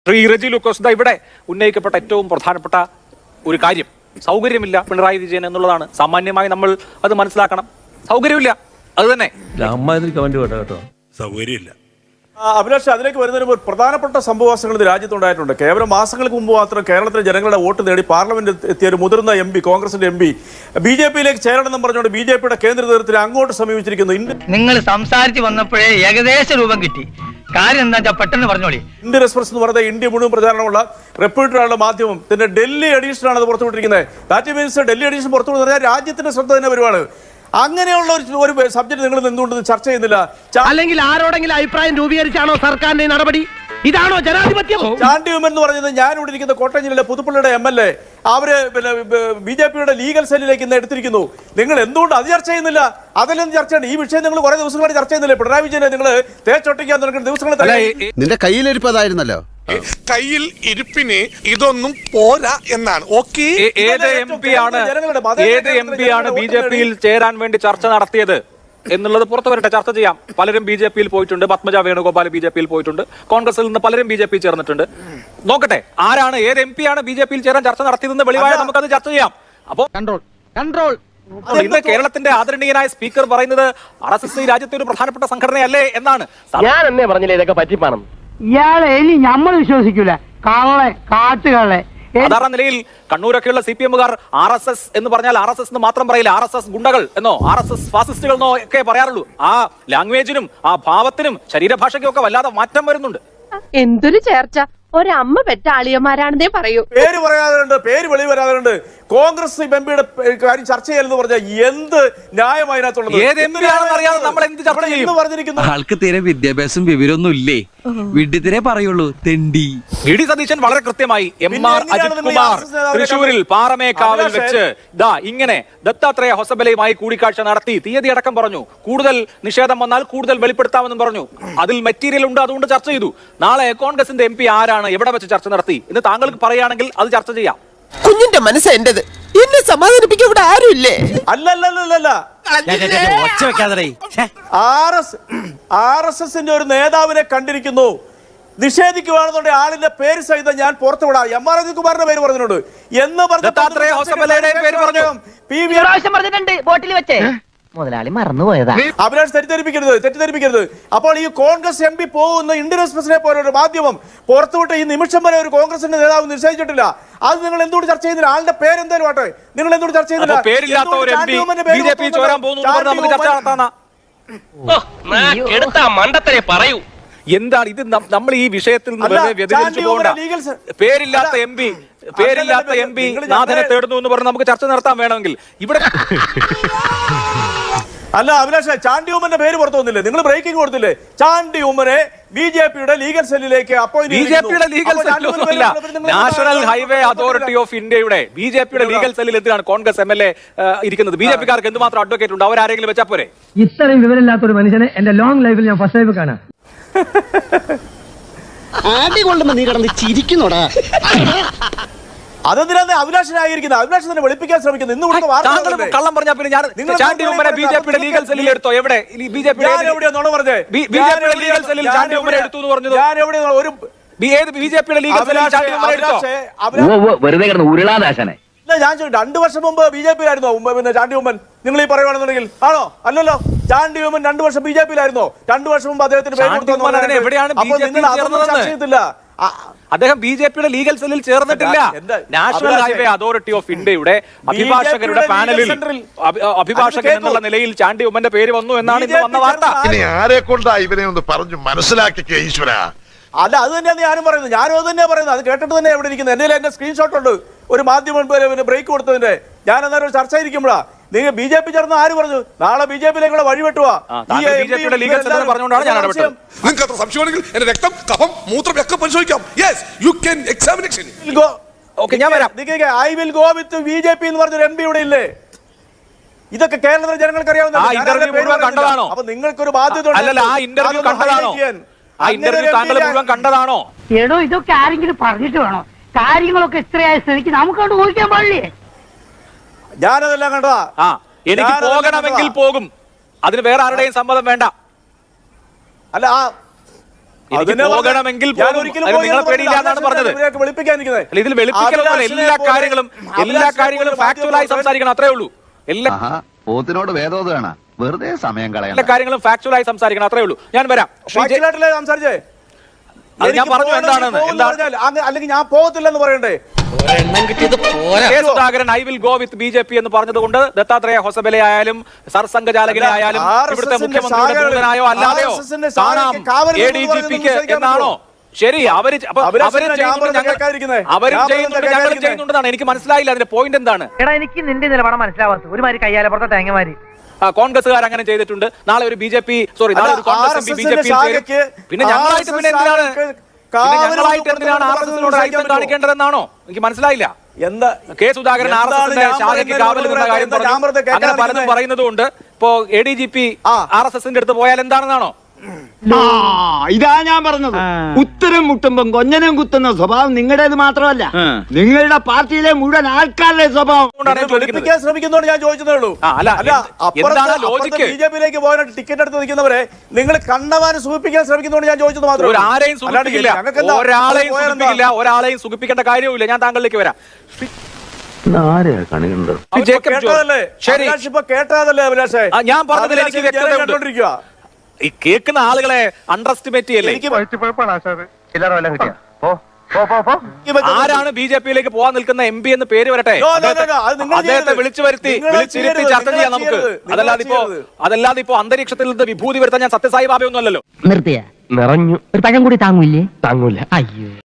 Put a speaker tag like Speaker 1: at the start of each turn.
Speaker 1: ശ്രീ റെജി ലൂക്കോസ് ഇവിടെ ഉന്നയിക്കപ്പെട്ട ഏറ്റവും പ്രധാനപ്പെട്ട ഒരു കാര്യം സൗകര്യമില്ല പിണറായി വിജയൻ എന്നുള്ളതാണ്. സാമാന്യമായി നമ്മൾ അത് മനസ്സിലാക്കണം. സൗകര്യമില്ല, അത് തന്നെ.
Speaker 2: സൗകര്യമില്ല.
Speaker 3: അഭിലാഷ്, അതിലേക്ക് വരുന്നതിന് മുമ്പ് പ്രധാനപ്പെട്ട സംഭവവാസങ്ങൾ ഇത് രാജ്യത്തുണ്ടായിട്ടുണ്ട്. കേവലം മാസങ്ങൾക്ക് മുമ്പ് മാത്രം കേരളത്തിലെ ജനങ്ങളുടെ വോട്ട് നേടി പാർലമെന്റ് എത്തിയ ഒരു മുതിർന്ന എം പി, കോൺഗ്രസിന്റെ എം പി, BJP-യിലേക്ക് ചേരണമെന്നും പറഞ്ഞുകൊണ്ട് BJP-യുടെ കേന്ദ്ര നേതൃത്വത്തിൽ അങ്ങോട്ട് സമീപിച്ചിരിക്കുന്നു.
Speaker 4: നിങ്ങൾ സംസാരിച്ച് വന്നപ്പോഴേ ഏകദേശ രൂപം കിട്ടി. കാര്യം എന്താ വെച്ചാൽ പെട്ടെന്ന് പറഞ്ഞോളി.
Speaker 3: ഇന്ത്യൻ എക്സ്പ്രസ് എന്ന് പറയുന്നത് ഇന്ത്യ മുഴുവൻ പ്രചാരണമുള്ള റെപ്യൂട്ടഡായുള്ള മാധ്യമം തന്നെ ഡൽഹി എഡീഷനാണ് അത് പുറത്തുവിട്ടിരിക്കുന്നത്. ദാറ്റ് മീൻസ് ഡൽഹി എഡീഷൻ പുറത്തുവിടുന്ന പറഞ്ഞാൽ രാജ്യത്തിന്റെ ശ്രദ്ധ തന്നെ വരുവാണ്. അങ്ങനെയുള്ള ഒരു സബ്ജക്ട് നിങ്ങൾ എന്തുകൊണ്ട് ചർച്ച ചെയ്യുന്നില്ല?
Speaker 4: അല്ലെങ്കിൽ ആരോടെങ്കിലും അഭിപ്രായം രൂപീകരിച്ചാണോ സർക്കാരിന്റെ നടപടി? ഇതാണോ ജനാധിപത്യം?
Speaker 3: ചാണ്ടി ഉമ്മൻ എന്ന് പറയുന്നത് ഞാൻ ഇവിടെ ഇരിക്കുന്ന കോട്ടയം ജില്ലയിലെ പുതുപ്പള്ളിയുടെ MLA, അവര് BJP-യുടെ ലീഗൽ സെല്ലിലേക്ക് ഇന്ന് എടുത്തിരിക്കുന്നു. നിങ്ങൾ എന്തുകൊണ്ട് അത് ചർച്ച ചെയ്യുന്നില്ല? അതിലൊന്നും ചർച്ചയുണ്ട്. ഈ വിഷയം നിങ്ങൾ കുറെ ദിവസങ്ങളായിട്ട് ചർച്ച ചെയ്യുന്നില്ല. പിണറായി വിജയനെ നിങ്ങൾ തേച്ചൊട്ടിക്കാൻ തുടങ്ങുന്ന ദിവസങ്ങൾ
Speaker 5: നിന്റെ കയ്യിലിരിപ്പതായിരുന്നല്ലോ.
Speaker 2: കയ്യിൽ ഇരിപ്പിന് ഇതൊന്നും പോരാ എന്നാണ്. ഓക്കെ,
Speaker 1: ഏത് എം പിയാണ് BJP-യിൽ ചേരാൻ വേണ്ടി ചർച്ച നടത്തിയത് എന്നുള്ളത് പുറത്തു വരട്ടെ, ചർച്ച ചെയ്യാം. പലരും BJP-യിൽ പോയിട്ടുണ്ട്. പത്മജ വേണുഗോപാൽ BJP-യിൽ പോയിട്ടുണ്ട്. കോൺഗ്രസിൽ നിന്ന് പലരും BJP ചേർന്നിട്ടുണ്ട്. നോക്കട്ടെ, ആരാണ് ഏത് MP ആണ് BJP-യിൽ ചേരാൻ ചർച്ച നടത്തിയതെന്ന് വെളിവായ നമുക്കത് ചർച്ച ചെയ്യാം. അപ്പോ കൺട്രോൾ ഇന്ന് കേരളത്തിന്റെ ആദരണീയനായ സ്പീക്കർ പറയുന്നത് RSS ഈ രാജ്യത്തെ ഒരു പ്രധാനപ്പെട്ട സംഘടനയല്ലേ എന്നാണ്.
Speaker 4: ഞാൻ എന്നെ പറഞ്ഞില്ലേ ഇതൊക്കെ പറ്റിപ്പാണം.
Speaker 6: ഇയാളെ ഇനി നമ്മൾ വിശ്വസിക്കൂല. കള്ളെ കാട്ടുകളെ
Speaker 1: സാധാരണ നിലയിൽ കണ്ണൂരൊക്കെയുള്ള CPM-കാർ RSS എന്ന് പറഞ്ഞാൽ RSS എന്ന് മാത്രം പറയില്ല. RSS ഗുണ്ടകൾ എന്നോ RSS ഫാസിസ്റ്റുകൾ എന്നോ ഒക്കെ പറയാറുള്ളൂ. ആ ലാംഗ്വേജിനും ആ ഭാവത്തിനും ശരീരഭാഷയ്ക്കും ഒക്കെ വല്ലാതെ മാറ്റം വരുന്നുണ്ട്.
Speaker 7: എന്തൊരു ചേർച്ച! ഒരമ്മ പെറ്റ ആളിയന്മാരാണെന്നേ പറയൂ.
Speaker 3: പേര് പറയാറുണ്ട്, പേര് വെളി വരാറുണ്ട്. കോൺഗ്രസ് MPയുടെ കാര്യം ചർച്ച ചെയ്യലെന്ന് പറഞ്ഞാൽ എന്ത് ന്യായം അതിനകത്തുള്ളത്?
Speaker 8: ആൾക്ക് തീരെ വിദ്യാഭ്യാസം വിവരമൊന്നും ഇല്ലേ? വിഡ്ഢിത്തിരെ പറയുള്ളൂ, തെണ്ടി.
Speaker 1: വി.ഡി. സതീശൻ വളരെ കൃത്യമായി MR അജിത് കുമാർ തൃശൂരിൽ പാറമേക്കാവിൽ വെച്ച് ഇങ്ങനെ ദത്താത്രേയ ഹൊസബലയുമായി കൂടിക്കാഴ്ച നടത്തി തീയതി അടക്കം പറഞ്ഞു. കൂടുതൽ നിഷേധം വന്നാൽ കൂടുതൽ വെളിപ്പെടുത്താമെന്നും പറഞ്ഞു. അതിൽ മെറ്റീരിയൽ ഉണ്ട്, അതുകൊണ്ട് ചർച്ച ചെയ്തു. നാളെ കോൺഗ്രസിന്റെ MP ആരാണ്, എവിടെ വെച്ച് ചർച്ച നടത്തി എന്ന് താങ്കൾക്ക് പറയുകയാണെങ്കിൽ അത് ചർച്ച ചെയ്യാം.
Speaker 5: കുഞ്ഞിന്റെ മനസ്സ് എന്റേത്, എന്നെ സമാധാനിപ്പിക്കാൻ ഇവിടെ ആരുമില്ലേ?
Speaker 3: അല്ലല്ലല്ല, RSS-ന്റെ ഒരു നേതാവിനെ കണ്ടിരിക്കുന്നു. നിഷേധിക്കുകയാണെന്നുണ്ടെങ്കിൽ ആളിന്റെ പേര് സഹിതം ഞാൻ പുറത്തുവിടാം. MR അജിത് കുമാറിന്റെ പേര് പറഞ്ഞിട്ടുണ്ട് എന്ന്
Speaker 4: പറഞ്ഞിട്ടുണ്ട്. മുതലാളി മറന്നുപോയതാ.
Speaker 3: അഭിലാഷ് തെറ്റിദ്ധരിപ്പിക്കരുത്. അപ്പോൾ ഈ കോൺഗ്രസ് MP പോകുന്ന ഇന്ത്യൻ എക്സ്പ്രസിനെ പോലെ ഒരു മാധ്യമം പുറത്തുവിട്ട് ഈ നിമിഷം വരെ ഒരു കോൺഗ്രസിന്റെ നേതാവ് നിശ്ചയിച്ചിട്ടില്ല. അത് നിങ്ങൾ എന്തുകൊണ്ട് ചർച്ച ചെയ്യുന്നില്ല? ആളുടെ പേരെന്തായാലും ആട്ടെ, നിങ്ങൾ എന്തുകൊണ്ട് ചർച്ച ചെയ്യുന്നില്ല?
Speaker 1: എന്താണ് ഇത്? നമ്മൾ ഈ വിഷയത്തിൽ നിന്ന് വ്യതിചലിച്ചു പോകണ്ട. പേരില്ലാത്ത MP നാഥനെ തേടുന്നു എന്ന് പറഞ്ഞ് നമുക്ക് ചർച്ച നടത്താൻ വേണമെങ്കിൽ ഇവിടെ
Speaker 3: അല്ല അഭിലാഷ്, ചാണ്ടി ഉമ്മന്റെ പേര് പുറത്തു വന്നില്ലേ? നിങ്ങൾ ബ്രേക്കിംഗ് കൊടുത്തില്ലേ? ചാണ്ടി ഉമ്മനെ BJP-യുടെ ലീഗൽ സെല്ലിലേക്ക്
Speaker 1: BJP-യുടെ ലീഗൽ സെല്ലില്ല, നാഷണൽ ഹൈവേ അതോറിറ്റി ഓഫ് ഇന്ത്യയുടെ BJP-യുടെ ലീഗൽ സെല്ലിൽ എന്തിനാണ് കോൺഗ്രസ് MLA ഇരിക്കുന്നത്? BJP-കാർക്ക് എന്തുമാത്രം അഡ്വക്കേറ്റ് ഉണ്ട്? അവരാരെങ്കിലും വെച്ചാൽ പോരെ?
Speaker 6: ഇത്രയും വിവരമില്ലാത്ത ഒരു മനുഷ്യനെ എന്റെ ലോങ് ലൈഫിൽ ഞാൻ ഫസ്റ്റ് ലൈഫ് കാണാം.
Speaker 5: ആദ്യം കൊള്ളുമ്പോ നീ കിടന്ന് ചിരിക്കുന്നോടാ.
Speaker 3: അതെന്തിനാണ് അഭിലാഷനായിരിക്കുന്നത്? അഭിലാഷ് തന്നെ വെളുപ്പിക്കാൻ ശ്രമിക്കുന്നത്. ഇന്ന്
Speaker 1: കള്ളം പറഞ്ഞാൽ പിന്നെ ഞാൻ ചാണ്ടി ഉമ്മനെ BJP-യുടെ ലീഗൽ സെല്ലിൽ എടുത്തോ? എവിടെ
Speaker 3: എവിടെയാ നോണ പറഞ്ഞേ?
Speaker 1: BJP-യുടെ ലീഗൽ സെല്ലിൽ ചാണ്ടി ഉമ്മനെ എടുത്തു എന്ന് പറഞ്ഞത്
Speaker 3: ഞാൻ എവിടെയാ? ഒരു
Speaker 1: BJP-യുടെ ലീഗൽ സെല്ലിൽ ചാണ്ടി ഉമ്മനെ എടുത്തോ?
Speaker 4: വെറുതെ കിടന്ന് ഉരുളാദാശനെ.
Speaker 3: ഞാൻ 2 വർഷം മുമ്പ് BJP-ലായിരുന്നോ പിന്നെ ചാണ്ടി ഉമ്മൻ? നിങ്ങൾ ഈ പറയുകയാണെന്നുണ്ടെങ്കിൽ ആണോ? അല്ലല്ലോ, ചാണ്ടി ഉമ്മൻ 2 വർഷം BJP-ലായിരുന്നോ? 2 വർഷം മുമ്പ് അദ്ദേഹത്തിന്
Speaker 1: അദ്ദേഹം BJP-യുടെ ലീഗൽ സെല്ലിൽ ചേർന്നിട്ടില്ല. നാഷണൽ ഹൈവേ അതോറിറ്റി ഓഫ് ഇന്ത്യയുടെ അഭിഭാഷകരുടെ പാനലിൽ അഭിഭാഷകൻ എന്നുള്ള നിലയിൽ ചാണ്ടി ഉമ്മന്റെ പേര് വന്നു എന്നാണ് ഇന്ന് വന്ന വാർത്ത.
Speaker 2: ആരെ കൊണ്ടാ ഇവനെ ഒന്ന് പറഞ്ഞു മനസ്സിലാക്കിക്കേ ഈശ്വര.
Speaker 3: അല്ല, അത് തന്നെയാണ് ഞാനും പറയുന്നത്. ഞാനും അത് തന്നെയാണ് പറയുന്നത്. അത് കേട്ടിട്ട് തന്നെ എവിടെ ഇരിക്കുന്നത്? എന്റെ സ്ക്രീൻഷോട്ട് ഉണ്ട്. ഒരു മാധ്യമം ബ്രേക്ക് കൊടുത്തതിന്റെ. ഞാൻ അന്നേരം ഒരു ചർച്ച ഇരിക്കുമ്പോഴാ നിങ്ങൾ BJP ചേർന്ന് ആര് പറഞ്ഞു? നാളെ BJP-യിലേക്കുള്ള വഴി വെട്ടുവാ.
Speaker 1: BJP-യുടെ ലീഗൽ സെല്ലിൽ പറഞ്ഞുകൊണ്ടാണ് ഞാൻ ഇടപെട്ടത്.
Speaker 2: നിങ്ങൾക്ക് അത്ര സംശയമാണെങ്കിൽ എന്റെ രക്തം, കഫം, മൂത്രം ഒക്കെ പരിശോധിക്കാം. Yes, you can examination.
Speaker 1: Okay, ഞാൻ വരാം.
Speaker 3: I will go with BJP എന്ന് പറഞ്ഞൊരു MP ഇവിടെ ഇല്ലേ? ഇതൊക്കെ കേരളത്തിലെ ജനങ്ങൾക്ക് അറിയാവുന്ന. അപ്പൊ നിങ്ങൾക്കൊരു ബാധ്യത
Speaker 1: അല്ലല്ല, ആ ഇന്റർവ്യൂ കണ്ടതാണോ? ആ ഇന്റർവ്യൂ താങ്കൾ മുഴുവൻ കണ്ടതാണോ?
Speaker 6: എടോ, ഇതൊക്കെ ആരെങ്കിലും പറഞ്ഞിട്ട് വേണോ? കാര്യങ്ങളൊക്കെ ഇത്രയായ സ്ഥിതിക്ക് നമുക്കവിടെ ഊഹിക്കാൻ പാടില്ലേ?
Speaker 3: ഞാനതെല്ലാം കണ്ടതാ.
Speaker 1: എനിക്ക് പോകണമെങ്കിൽ പോകും. അതിന് വേറെ ആരുടെയും സമ്മതം വേണ്ട.
Speaker 3: അല്ല,
Speaker 1: എനിക്ക് പോകണമെങ്കിൽ പോകും. അതിന് നിങ്ങളെ പേടിയില്ല എന്നാണ് പറഞ്ഞത്. അല്ല, ഇതിൽ വെളുപ്പിക്കലൊന്നുമല്ല. എല്ലാ കാര്യങ്ങളും ഫാക്ച്വലായി സംസാരിക്കണം, അത്രേ ഉള്ളൂ. എല്ലാ
Speaker 9: പോത്തിനോട് വേദോദാണ് വെറുതെ സമയം കളയാൻ.
Speaker 1: എല്ലാ കാര്യങ്ങളും ഫാക്ച്വലായി സംസാരിക്കണം, അത്രേ ഉള്ളൂ. ഞാൻ വരാം.
Speaker 3: സംസാരിച്ചേ
Speaker 1: അത് ഞാൻ പറഞ്ഞു എന്താണെന്ന്.
Speaker 3: അല്ലെങ്കിൽ ഞാൻ പോകത്തില്ലെന്ന് പറയണ്ടേ?
Speaker 1: K Sudhakaran I will go with BJP എന്ന് പറഞ്ഞതുകൊണ്ട് ദത്താത്രേയ ഹൊസബലെ ആയാലും സർസംഘചാലകനെ ആയാലും ഇവിടുത്തെ മുഖ്യമന്ത്രിയുടെ ദൂതനായോ അല്ലാതെയോ കാണാം ADGPക്ക് എന്നാണോ? ശരി, അവരും ചെയ്യുന്നുണ്ട്, ഞങ്ങളും ചെയ്യുന്നുണ്ടെന്നാണ്. എനിക്ക് മനസ്സിലായില്ല അതിന്റെ പോയിന്റ് എന്താണ്.
Speaker 4: എടാ എനിക്ക് നിന്റെ നിലപാട് മനസ്സിലാവാത്ത ഒരുമാതിരി കയ്യാലപ്പുറത്തെ തേങ്ങമാരി.
Speaker 1: കോൺഗ്രസ്സുകാർ അങ്ങനെ ചെയ്തിട്ടുണ്ട്. നാളെ ഒരു നാളെ ഒരു കോൺഗ്രസ് BJP പിന്നെ ഞങ്ങളായിട്ട് എന്തിനാണ് RSSനോട് ഐക്യം കാണിക്കേണ്ടതെന്നാണോ? എനിക്ക് മനസ്സിലായില്ല.
Speaker 3: എന്താ
Speaker 1: കെ സുധാകരൻ RSSന്റെ ശാഖയ്ക്ക് കാവൽ നിന്ന കാര്യം പറഞ്ഞു. അങ്ങനെ പലതും പറയുന്നതുകൊണ്ട് ഇപ്പോ ADGP RSSന്റെ അടുത്ത് പോയാൽ എന്താണെന്നാണോ?
Speaker 10: ഇതാ ഞാൻ പറഞ്ഞത്. ഉത്തരം മുട്ടുമ്പം കൊഞ്ഞനം കുത്തുന്ന സ്വഭാവം നിങ്ങളുടേത് മാത്രമല്ല, നിങ്ങളുടെ പാർട്ടിയിലെ മുഴുവൻ ആൾക്കാരുടെ സ്വഭാവം.
Speaker 3: ശ്രമിക്കുന്നോണ്ട് ഞാൻ ചോദിച്ചതേ ഉള്ളൂ. BJPയിലേക്ക് പോകാനായിട്ട് ടിക്കറ്റ് എടുത്ത് നിൽക്കുന്നവരെ നിങ്ങൾ കണ്ടവാനും സൂചിപ്പിക്കാൻ ശ്രമിക്കുന്നോണ്ട് ഞാൻ ചോദിച്ചത് മാത്രമേ.
Speaker 1: ഒരാളെയും സുഖിപ്പിക്കേണ്ട കാര്യവുമില്ല. ഞാൻ താങ്കളിലേക്ക് വരാം.
Speaker 3: കേട്ടതല്ലേ അഭിലാഷേ?
Speaker 1: ഞാൻ പറഞ്ഞതിൽ എനിക്ക് വ്യക്തത. ഈ കേൾക്കുന്ന ആളുകളെ അണ്ടർ എസ്റ്റിമേറ്റ് ചെയ്യല്ലേ? ആരാണ് BJPയിലേക്ക് പോകാൻ നിൽക്കുന്ന MP എന്ന് പേര് വരട്ടെ, അദ്ദേഹത്തെ വിളിച്ചു വരുത്തിയിരുത്തി ചർച്ച ചെയ്യാം നമുക്ക്. അതല്ലാതെ ഇപ്പോ അന്തരീക്ഷത്തിൽ നിന്ന് വിഭൂതി വരുത്താൻ ഞാൻ സത്യസായി ബാബയൊന്നും അല്ലല്ലോ.
Speaker 4: നിർത്തിയ നിറഞ്ഞു ഒരു പഴം കൂടി താങ്ങൂല്ലേ? താങ്ങൂല. അയ്യോ.